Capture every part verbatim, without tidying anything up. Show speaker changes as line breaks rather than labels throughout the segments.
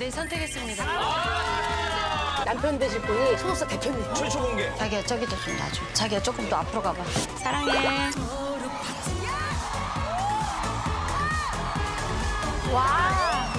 네, 선택했습니다.
남편 되실 분이 소속사 대표님.
최초 공개.
자기야, 저기도 좀 놔줘. 자기야, 조금 더 앞으로 가봐. 사랑해.
와.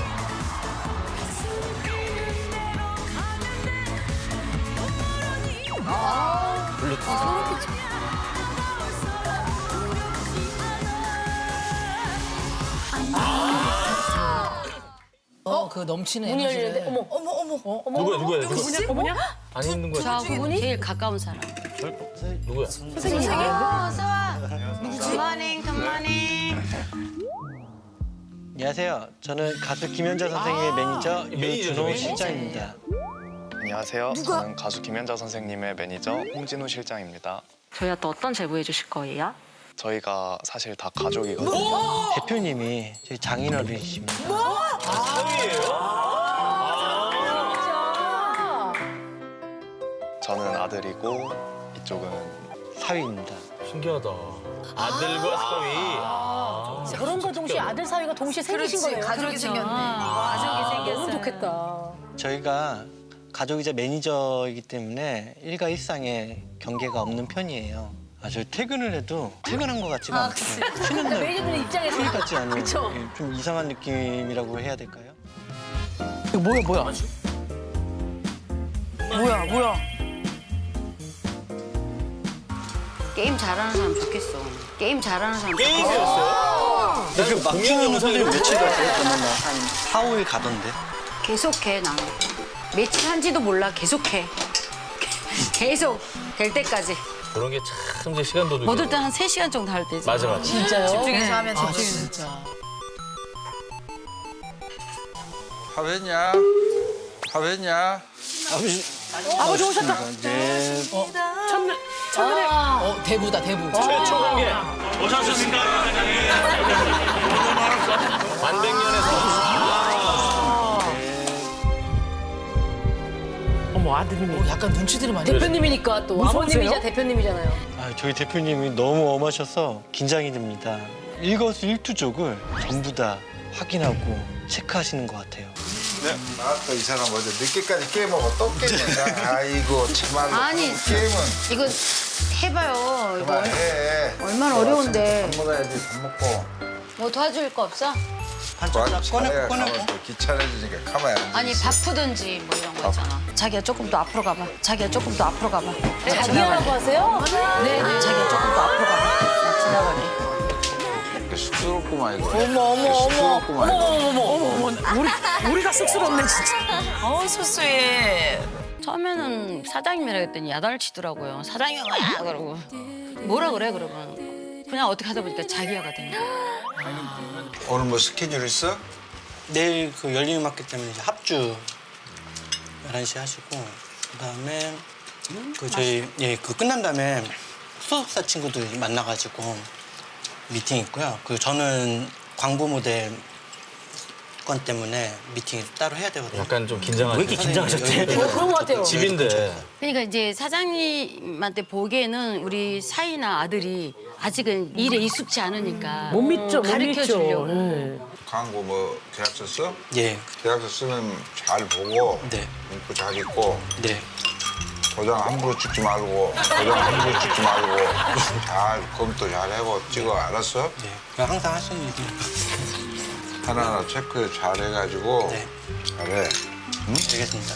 어, 그 넘치는
문이
에너지를.
열리는데 어머 어머 어머 어머.
누구야 누구야?
누구지? 어머냐?
안 있는 거야?
저 제일 가까운 사람.
누구야?
선생님.
어서 와. 굿모닝, 굿모닝.
안녕하세요. 저는 가수 김연자 선생님의 매니저
매니저죠,
유준호
매니저.
실장입니다.
안녕하세요. 저는 가수 김연자 선생님의 매니저 홍진우 실장입니다.
저희한테 어떤 제보 해주실 거예요?
저희가 사실 다 가족이거든요.
대표님이 저희 장인어른이십니다.
저는 아들이고 이쪽은
사위입니다.
신기하다. 아들과 사위. 아,
결혼과 동시에 아들 사위가 동시에 생기신 거예요.
가족이 생겼네. 가족이 생겼어요.
너무 좋겠다.
저희가 가족이자 매니저이기 때문에 일가일상에 경계가 없는 편이에요. 아, 저 퇴근을 해도 퇴근한 것 같지가 않고 쉬는 날
매니저분 입장에서
휴일 같지 않은
그쵸?
예, 좀 이상한 느낌이라고 해야 될까요?
이거 뭐야, 뭐야? 뭐야, 뭐야?
게임 잘하는 사람 좋겠어. 게임 잘하는 사람 좋겠어.
게임이었어요?
그 막
공연
키우는
영상이
선생님 며칠 갔어요? 저는 한 사, 오일 가던데.
계속해, 나는. 며칠 한지도 몰라, 계속해. 계속 될 때까지.
그런 게 참 이제 시간 도둑이.
못 올 때 한 세 시간 정도 할 때지.
맞아 맞아.
진짜요?
집중해서 하면
아,
집중해서.
진짜.
하වෙ냐? 하වෙ냐?
아버지.
아버지 오셨다.
네.
천문 천문에
어, 대부다, 대부.
최초 공개. 오셨습니까? 만백년에서.
어머, 아드님이. 어, 약간 눈치들이 많이.
대표님이니까 또
무서우세요?
아버님이자 대표님이잖아요.
아, 저희 대표님이 너무 엄하셔서 긴장이 됩니다. 일거수일투족을 전부 다 확인하고 체크하시는 것 같아요.
네. 아또 이 사람 어제 늦게까지 게임하고 또 게임한다. 아이고 참말로.
아니.
게임은
이거 해봐요. 이거
그만해.
얼마나 어려운데.
밥 먹어야지 밥 먹고.
뭐 도와줄 거 없어?
반찬 딱 꺼내고
자네가
꺼내고.
가면 또 귀찮아지니까 가만히 앉아.
아니 바쁘든지 뭐 이런 거 있잖아. 자기야 조금 더 앞으로 가봐. 자기야 조금 더 앞으로 가봐. 나
자기야라고 하세요?
네, 네. 자기야 조금 더 앞으로 가봐. 나 지나갈게.
이렇게 쑥스럽구만 이거.
어머 어머 어머
쑥스럽구만 이거.
어머, 어머, 어머. 우리, 우리가 쑥스럽네, 진짜. 어우, 수수해.
처음에는 사장님이라 했더니 야단을 치더라고요. 사장님 뭐야 그러고 뭐라 그래 그러면 그냥 어떻게 하다 보니까 자기야가 된 거예요.
오늘 뭐 스케줄 있어?
내일 그 열린음악회 때문에 이제 합주 열한 시 하시고 그다음에 그 저희 예 그 끝난 다음에 소속사 친구들 만나가지고 미팅 있고요. 그 저는 광고 모델 건 때문에 미팅 따로 해야 되거든요.
약간 좀 긴장하죠.
왜 이렇게 긴장하셨지?
어, 그런 것 같아요.
집인데.
그러니까 이제 사장님한테 보기에는 우리 사이나 아들이 아직은 일에 익숙치 않으니까
못 믿죠, 못
가르쳐
믿죠.
주려고.
네.
광고 뭐 계약서 써?
예,
계약서 쓰면 잘 보고
네,
문구 잘 읽고
네.
도장 함부로 찍지 말고 도장 함부로 찍지 말고 잘 검토 잘 하고 찍어 알았어?
네. 그냥 항상 하시는 일이니까.
하나하나 체크 잘 해가지고
네,
잘해.
알겠습니다.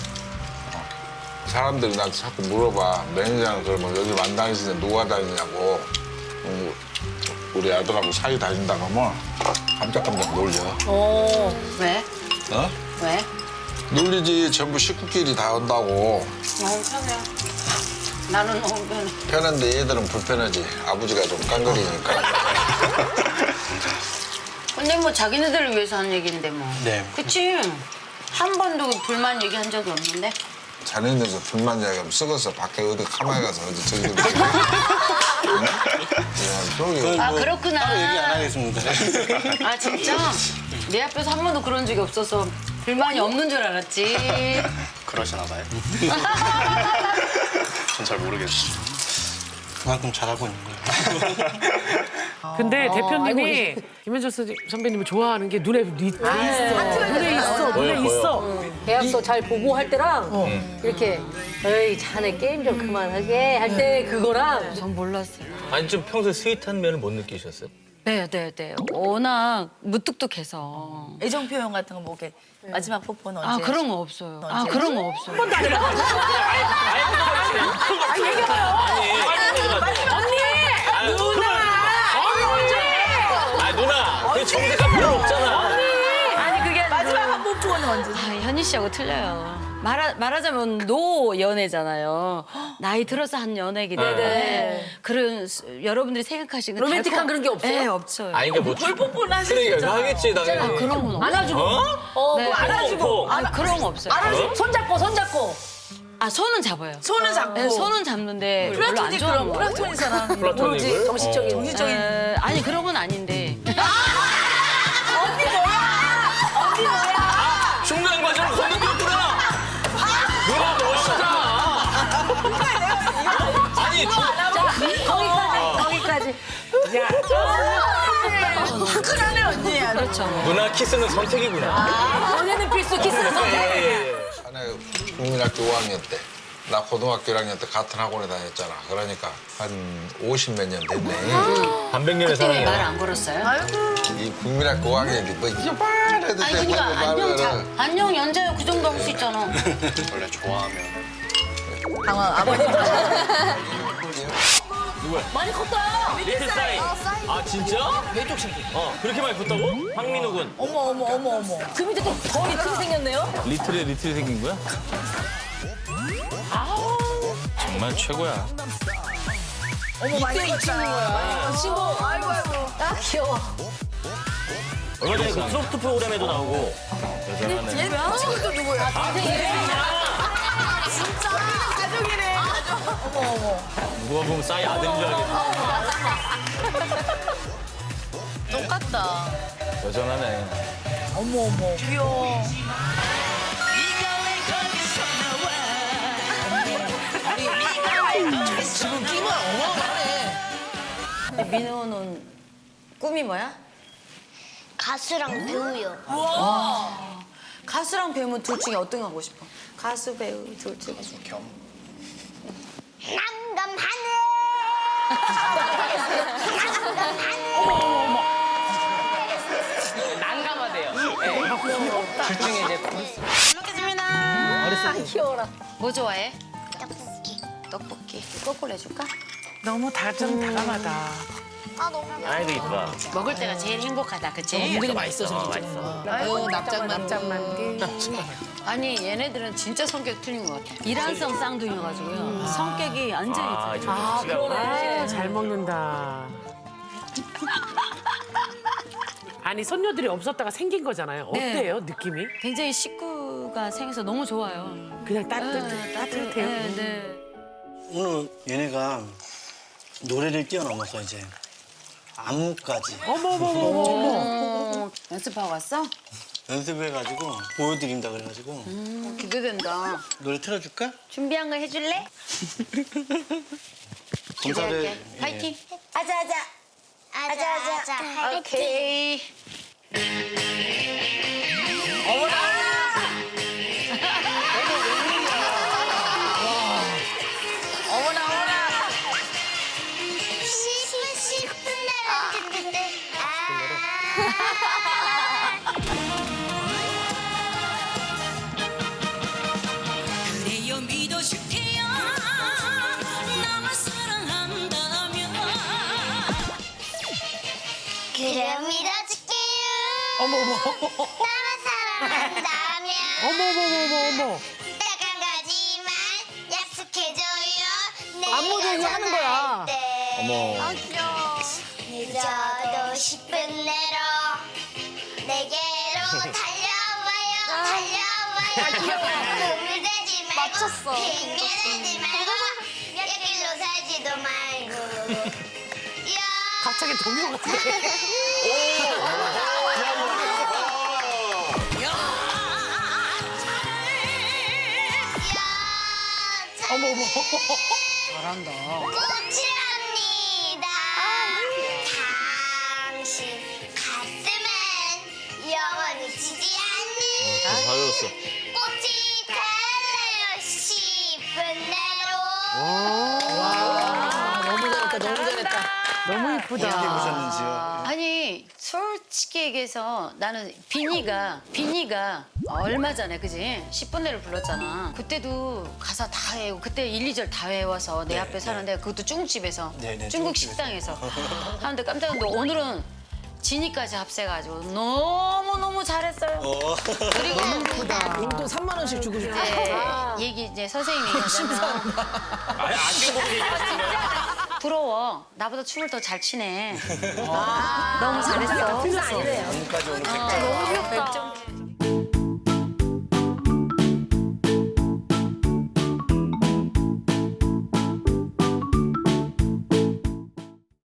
사람들이 나한테 자꾸 물어봐. 매니저는 그러면 여기 만 다니시는데 누가 다니냐고. 음, 우리 아들하고 사이 다닌다 그러면 깜짝깜짝 놀려.
어.
왜?
어?
왜?
놀리지. 전부 식구끼리 다 온다고.
너무 편해. 나는 너무 편해.
편한데 얘들은 불편하지. 아버지가 좀 깡그리니까.
근데 뭐 자기네들을 위해서 하는 얘기인데 뭐.
네.
그치? 한 번도 불만 얘기한 적이 없는데?
자네들도 불만 이야기하면 썩어서 밖에 어디 가만히 가서 어디 저기 좀. 저기
아
뭐
그렇구나.
따로 얘기 안 하겠습니다.
아 진짜? 내 앞에서 한 번도 그런 적이 없어서 불만이 없는 줄 알았지.
그러시나 봐요. 전 잘 모르겠어요.
그만큼 잘하고 있는 거예요.
근데 대표님이 김현정 선- 선배님을 좋아하는 게 눈에 리- 있어. 눈에 있어. 눈에
보여,
있어.
계약서 잘 보고 할 때랑 이렇게 에이 자네 게임 좀 그만하게 할 때 그거랑
전 몰랐어요.
아니 좀 평소에 스윗한 면을 못 느끼셨어요?
네, 네, 네. 워낙 무뚝뚝해서.
애정 표현 같은 거 뭐 이렇게 마지막 뽀뽀는 언제?
아, 그런 거 없어요. 아,
언제?
그런 거 없어요.
아니 누나! 아 누나! 그 정색할 필요 없잖아.
아니, 그게
마지막 한 뽀뽀는 언제?
아, 현희 씨하고 틀려요. 말하, 말하자면 노 연애잖아요. 나이 들어서 한 연애기 때문에 그런 수- 여러분들이 생각하시는
로맨틱한 그런 게 없어요?
네, 없어요.
아니 이게 뭐
뽀뽀는 하실 수
그러니까
있잖아.
하겠지 당연히.
아, 그런 건 없어요.
안아주고
어?
어,
네.
뭐 안아주고
아니, 그런 거 없어요.
안아주고 손잡고 손잡고
아, 손은 잡아요.
손은 잡고.
네, 손은 잡는데 별로 안
플라토닉
좋아하는
그럼
거 같아요.
플라토닉 사랑.
플라토닉을?
정신적인
정신적인.
에, 아니, 그런 건 아닌데.
중간 과정을 건너뛰었구나. 누나 멋있다. 아니 중-
거기까지 거기까지
화끈하네 언니야.
그렇죠.
누나 키스는 선택이구나.
연애는 필수 키스는 선택
예, 예.
자네 국민학교 오 학년 때, 나 고등학교 일 학년 때 같은 학원에 다녔잖아. 그러니까 한 오십 몇 년 됐네.
반백년의
그때 왜 말
사랑이야.
안 걸었어요?
이 국민학교 오 학년인데 뭐 이게 말해도
아니,
되고
그러니까 안녕, 자,
말을
안녕, 연자요. 그 정도 할 수 있잖아.
원래 좋아하면
당황 아버님.
많이 컸다
리틀 사이. 아 진짜? 왼쪽 신기. 어 그렇게 많이 컸다고? 황민우 군.
어머 어머 어머 어머.
그 밑에 또 더 리틀이 생겼네요
리틀에 리틀이 생긴 거야? 정말 최고야.
어머 많이 컸다.
친구 아이고 아이고 아 귀여워
얼마 전에 그 트로트 프로그램에도 나오고. 여전하네.
얘 친구도 누구야? 진짜 가족이네. 어머 어머.
누가 보면 싸이 아들인 줄 알겠네.
똑같다.
여전하네.
어머 어머. 귀여워. 지금 끼가 어마어마하네.
민호는 꿈이 뭐야?
가수랑 배우요.
가수랑 배우면 둘 중에 어떤 거 하고 싶어? 가수, 배우 둘 중에.
겸
난감하네.
뭐 좋아해?
떡볶이.
떡볶이. 거꾸로 해줄까?
너무 다정다감하다.
아 너무
아이도 이쁘다.
먹을 때가 제일 행복하다, 그치?
은근히 맛있어 진짜
아유 납작만
납작만두
아니, 얘네들은 진짜 성격 틀린 것 같아. 이란성 쌍둥이여가지고요. 성격이 완전히
아,
틀려.
아 그러네.
아, 잘 먹는다. 아니 손녀들이 없었다가 생긴 거잖아요. 어때요 느낌이?
굉장히 식구가 생겨서 너무 좋아요.
그냥 따뜻
네,
따뜻해요.
네, 네.
오늘 얘네가 노래를 뛰어넘어서 이제 안무까지
어머 어머 어머 어머.
어, 연습하고 왔어?
연습해가지고 보여드린다 그래가지고
음, 기대된다.
노래 틀어줄까?
준비한 거 해줄래?
검사를
기대할게. 파이팅.
아자아자. 아자아자.
오케이.
싶은 싶은 나를 듣는데
그래요 믿어줄게요 나만 사랑한다면
그래 믿어줄게요.
어머 어머
나만 사랑한다면
어머 어머 어머 어머.
딱 한 가지만 약속해줘요. 내
안무도 이거 하는 거야.
때.
어머.
아 귀여워. 늦어도 싶은 대로 내게로 달려와요. 달려와요. 오늘 되지 말고 맞췄어. 핑계 대지 말고 몇 길로 살지도 말고. 야.
갑자기 동요 같아.
야.
어머 어머.
잘한다.
꽃이라는 꽃이 달래요 싶은 대로.
너무 잘했다, 너무 잘했다.
너무 이쁘다.
아니 솔직히 얘기해서 나는 비니가 비니가 얼마 전에 그지 십 분대를 불렀잖아. 그때도 가사 다 외우고 그때 일, 이 절 다 외워서 내 앞에 사는데 그것도 중국집에서
네, 네,
중국
중국집에서.
식당에서 하는데 깜짝 놀랐는데 오늘은 지니까지 합세가지고 너무 너무 잘했어요. 그리고
용돈 삼만 원씩 주고 싶어.
이제 얘기 이제 선생님이 얘기하자면
아니 아쉬운 부분 얘기하시는
부러워. 나보다 춤을 더 잘 추네. 너무 잘했어.
지금까지 오늘
너무 귀엽다.